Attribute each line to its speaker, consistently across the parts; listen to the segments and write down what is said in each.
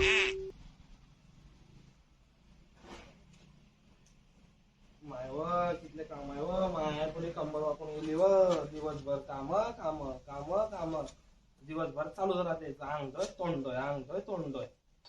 Speaker 1: माय व तिथले काम आहे व माया पुढे कंबर वापरून गेली व दिवसभर काम काम काम काम दिवसभर चालूच राहते. अंगतोय तोंडतोय अंगतोय तोंडतोय.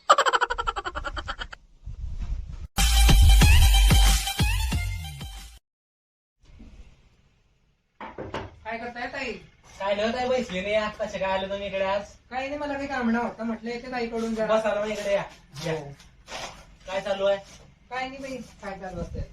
Speaker 2: काय करताय ताई?
Speaker 1: काय नाही ताई बसली नाही. आज कसे काय आले तुम्ही इकडे? आज
Speaker 2: काही नाही, मला काही काम नव्हतं, म्हटलं येते ताईकडून जरा.
Speaker 1: बस आलो इकडे या. या. काय चालू आहे?
Speaker 2: काय नाही बाई, काय चालू असते?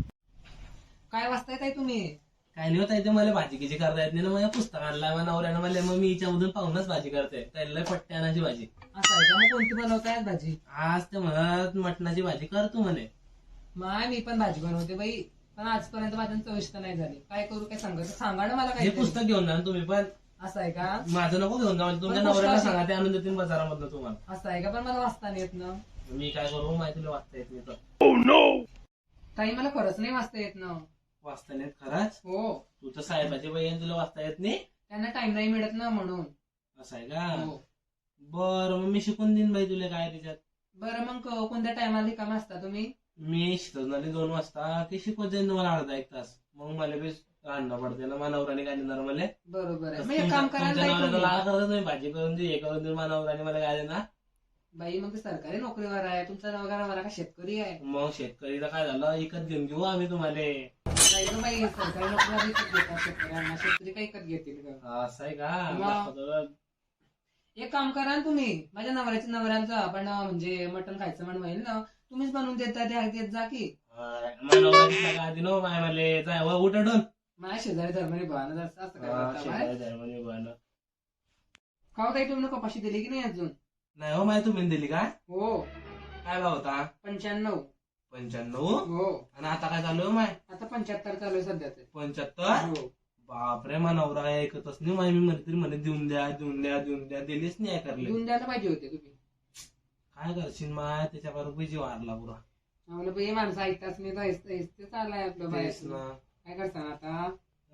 Speaker 2: काय वाचताय ताई तुम्ही?
Speaker 1: काय नाही होत आहे ते मला भाजी किची करता येत नाही ना. माझ्या पुस्तक आणला मग नवऱ्यानं मला. मग मी हिच्यामधून पाहूनच भाजी करते. त्याला पट्ट्यानाची भाजी.
Speaker 2: असं आहे का? मग कोणती बनवताय भाजी?
Speaker 1: आज ते म्हणत मटणाची भाजी कर तू म्हणे.
Speaker 2: माय मी पण भाजी बनवते बाई, पण आजपर्यंत माझ्या चविष्ट नाही झाली. काय करू, काय सांगा ना मला.
Speaker 1: हे
Speaker 2: काय
Speaker 1: पुस्तक घेऊन जा तुम्ही पण.
Speaker 2: असं आहे का?
Speaker 1: माझं नको घेऊन जा. म्हणजे तुमच्या
Speaker 2: पण
Speaker 1: नवऱ्याला
Speaker 2: पुस्तक-
Speaker 1: सांगा ते आणून देतील बाजारामधनं तुम्हाला.
Speaker 2: असं आहे का? पण मला वाचता नाही येत ना.
Speaker 1: मी काय करू माहिती तुला वाचता येत नाही तर.
Speaker 2: ताई मला खरंच नाही वाचता येत ना.
Speaker 1: वाचता नाही येत खरंच?
Speaker 2: हो,
Speaker 1: तू तर साहेबाची बाई आहे, तुला वाचता येत नाही.
Speaker 2: त्यांना टाइम नाही मिळत ना म्हणून.
Speaker 1: असं आहे का?
Speaker 2: हो.
Speaker 1: बरं मग मी शिकून देईन बाई तुला काय त्याच्यात.
Speaker 2: बरं मग कोणत्या टायमाला रिकाम असता तुम्ही?
Speaker 1: मी शिकवणारी 2 वाजता की शिकवत जाईन तुम्हाला अर्धा 1 तास. मग मला बी राहणं पडते ना. मानवराने काय देणार मला?
Speaker 2: बरोबर आहे. मग एक काम करा ना ताई तुम्ही.
Speaker 1: लाळ करत तुम्ही भाजी करून दे हे करून दे. मानवराने मला काय देणार?
Speaker 2: बाई मग ते सरकारी नोकरीवर आहे, तुमचा नवरा का शेतकरी आहे?
Speaker 1: मग शेतकरीला काय झालं विकत घेऊन घेऊ आम्ही तुम्हाला.
Speaker 2: नाही गं बाई, सरकारी नोकरीला विकत घेतात शेतकऱ्यांना. शेतकरी काही विकत घेतील का?
Speaker 1: असं आहे का?
Speaker 2: मग.
Speaker 1: दाखवतो.
Speaker 2: एक काम करा ना तुम्ही, माझ्या नवऱ्याचं आपण म्हणजे मटण खायचं म्हण होईल ना, तुम्हीच बनवून देता देत जा की.
Speaker 1: मानवराची सगळं आधी नो माय मले जाय व उठून.
Speaker 2: माझ्या शेजारी धर्माने भावानं असं काय करता बाय?
Speaker 1: नाही
Speaker 2: खाऊ ताई, तुम्ही कपाशी दिली की नाही अजून?
Speaker 1: हो माय तुम्ही दिली का?
Speaker 2: हो,
Speaker 1: काय भाव होता?
Speaker 2: 95.
Speaker 1: 95.
Speaker 2: हो,
Speaker 1: आणि आता काय चालू आहे माय?
Speaker 2: आता 75 चालू आहे सध्या ते.
Speaker 1: 75.
Speaker 2: हो.
Speaker 1: बापरे मानवरा ऐकतच नाही माय. मी म्हणते म्हणे देऊन द्या देऊन द्या देऊन द्या. दिलीच नाही करले.
Speaker 2: देऊन द्यायला पाहिजे होते तुम्ही.
Speaker 1: काय करशील माय त्याच्याबरोबर जीव हारला पुरा.
Speaker 2: आम्हाला बाई माणसं ऐकताच नाही, ते चाललंय आपलं बाहेर.
Speaker 1: तेच ना.
Speaker 2: काय करता आता?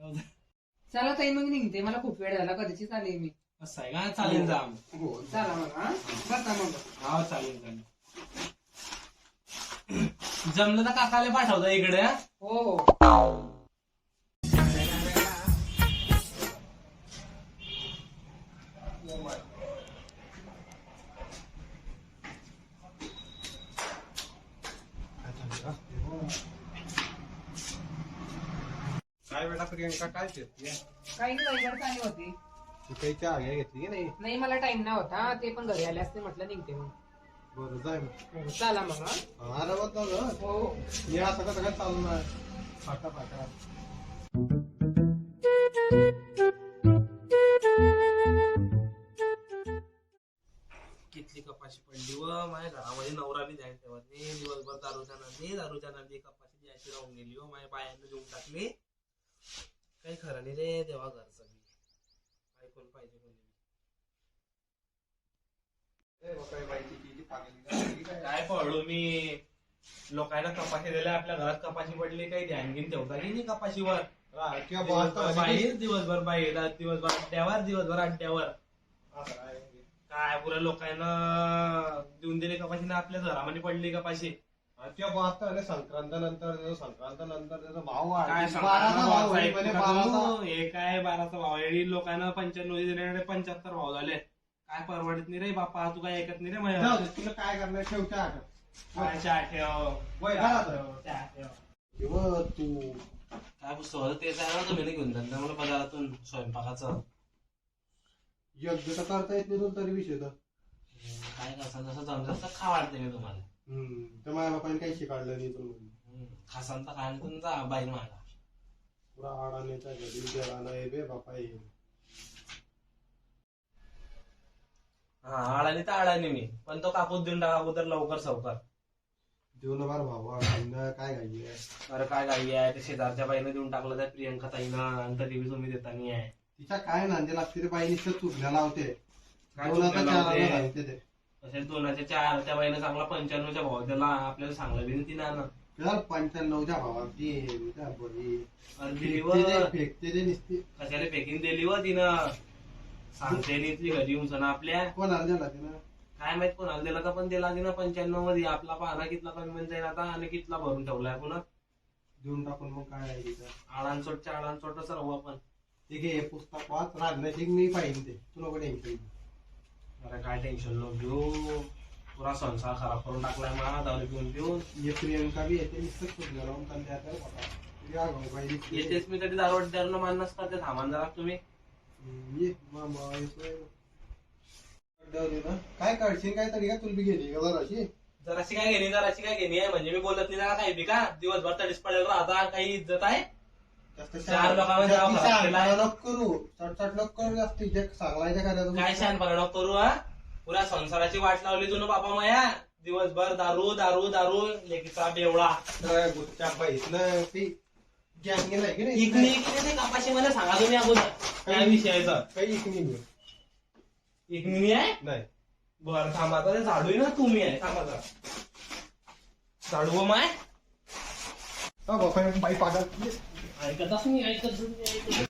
Speaker 2: चला ताई मग निघते, मला खूप वेळ झाला, कधीचीच आली मी.
Speaker 1: असं आहे का? चालेल जा.
Speaker 2: हो चला मग. हा बसा मग.
Speaker 1: हा चालेल चालेल. जमलं तर काकाला पाठवता इकडे.
Speaker 2: हो हो.
Speaker 3: काय बेटा प्रियंका काय फिरतीये?
Speaker 2: काही नाही, वैगड चालली होती.
Speaker 3: ती काही चहा घ्या घेतली की नाही?
Speaker 2: नाही मला टाइम नाही होता, ते पण घरी आले असते, म्हटलं निघते मग.
Speaker 3: बरं जाय मग.
Speaker 2: हो, चला मग. हा?
Speaker 3: अरे बघ ना
Speaker 2: हो.
Speaker 3: मी आता कसं काय चालू नाही फाटा फाटा.
Speaker 1: कितली कपाशी पडली व माझ्या घरामध्ये नवरा बी जायला ठेवत नाही. दिवसभर दारूच्या नंदी कपाशी द्यायची राहून गेली व माझ्या बायांना देऊन टाकली. काही खरं नाही रे देवा घरचं बी. ऐकून पाहिजे कोणी. काय पडलो मी. लोकांना कपाशी दिल्या आपल्या घरात कपाशी पडली काही ध्यान घेऊन ठेवता की नाही कपाशीवर. बाहेर दिवसभर बाहेर दिवसभर अड्ड्यावर दिवसभर अड्ड्यावर. काय पुऱ्या लोकांना देऊन दिली कपाशी ना आपल्या घरामध्ये पडली कपाशी.
Speaker 3: संक्रांत नंतर त्याचा भाव
Speaker 1: काय
Speaker 3: वाढला.
Speaker 1: हे काय 12चा भाव आहे. लोकांना 95 दिले 75 भाव झाले. काय परवडत नाही रे बापा. तू काय ऐकत नाही रे माझ्या.
Speaker 3: तुला काय करणार ठेवच्या
Speaker 1: काय चहा ठेव चहा ठेव.
Speaker 3: तू
Speaker 1: काय पुस्तक होतं तेच आहे ना तुम्ही घेऊन जात मला बाजारातून स्वयंपाकाचं.
Speaker 3: योग्य तर करता येत नाही तुला तरी विषय तर.
Speaker 1: काय करसान जसं जमलं तसं खा वाटते मी तुम्हाला.
Speaker 3: तर माझ्या बापाने काही शिकाडलं नाही तुला.
Speaker 1: खासान तर खायला तुम्ही जा बाई मागा.
Speaker 3: पुरा आडाण्याच्या घरी गेला नाही बे बापा.
Speaker 1: हा आळानी तर आळानी मी पण तो कापूस देऊन टाका अगोदर लवकर सवकर.
Speaker 3: देऊ ना बार भावा काय घाई आहे.
Speaker 1: अरे काय गाडी आहे ते शेजारच्या बाईने देऊन टाकलं त्या प्रियंका ताईनं. आणि तरी तुम्ही देता नाही आहे.
Speaker 3: तिच्या काय नांदे लागते रे बाई नुसतं चुकल्या लावते.
Speaker 1: काय
Speaker 3: दोनाचा
Speaker 1: चुकल्या
Speaker 3: चाराला
Speaker 1: लावते?
Speaker 3: घालते ते.
Speaker 1: तसेच 2चे 4 त्या बाईनं चांगला 95च्या भाव त्याला आपल्याला सांगलं बी ती ना.
Speaker 3: चल 95च्या भावात ती त्या बरी
Speaker 1: दिली व
Speaker 3: फेकते ते नुसती.
Speaker 1: कशाला फेकीन दिली व तिनं. सांगते नी ती घरी येऊन सण आपल्या.
Speaker 3: कोणाला दिला तिनं?
Speaker 1: काय माहित कोणाला दिला का, पण दिला आधी ना 95 मध्ये. आपला पाहना कितला कमी म्हणजे जाईल आता आणि कितला भरून ठेवलाय पुन्हा.
Speaker 3: देऊन टाकून मग काय आहे तिथं.
Speaker 1: आडांचोटच्या आडांचोट सर्व आपण.
Speaker 3: ते घे हे पुस्तक वाच, राजनैतिक मी पाहिजे ते तुला नको टेन्शन.
Speaker 1: अरे काय टेन्शन नको घेऊ, पुरा संसार खराब करून टाकलाय मला दारू पिऊन पिऊन.
Speaker 3: ये प्रियंका बी येते नुसतं शोधलं लावून त्यांनी आता बघा. या गं बाई,
Speaker 1: येतेच मी कधी दारू मानच करते. थांबा जरा तुम्ही.
Speaker 3: ये मामा येतोय. दारू ना काय काढशील काय तरी का तुला बी गेली का जराशी.
Speaker 1: जराशी काय घेणे आहे म्हणजे मी बोलत नाही ना काय बी का. दिवसभर तडीच पडेल राहता, काही इज्जत आहे.
Speaker 3: जास्त
Speaker 1: चार लोकांमध्ये नाव खराब केलं आहे.
Speaker 3: नको करू, चटचट नको करू जास्त. जे सांगलायच्या कार्यात
Speaker 1: काय शहाणपणा नको करू हा. पुऱ्या संसाराची वाट लावली तुला बापा माया. दिवसभर दारू दारू दारू, लेकीचा बेवडा.
Speaker 3: गुच्च्या बाईतलं ती गॅंग गेलाय की नाही.
Speaker 1: इकणी इकणी कापाशी मला सांगा तुम्ही अगोदर काय विषयाचा.
Speaker 3: काही इकणी नाही.
Speaker 1: इकणी आहे
Speaker 3: नाही
Speaker 1: बरं थांबा आता. ते झाडू ना तुम्ही आहे. थांबा जरा. झाडू माय
Speaker 3: बाई पागल.
Speaker 1: ऐकतच नाही ऐकत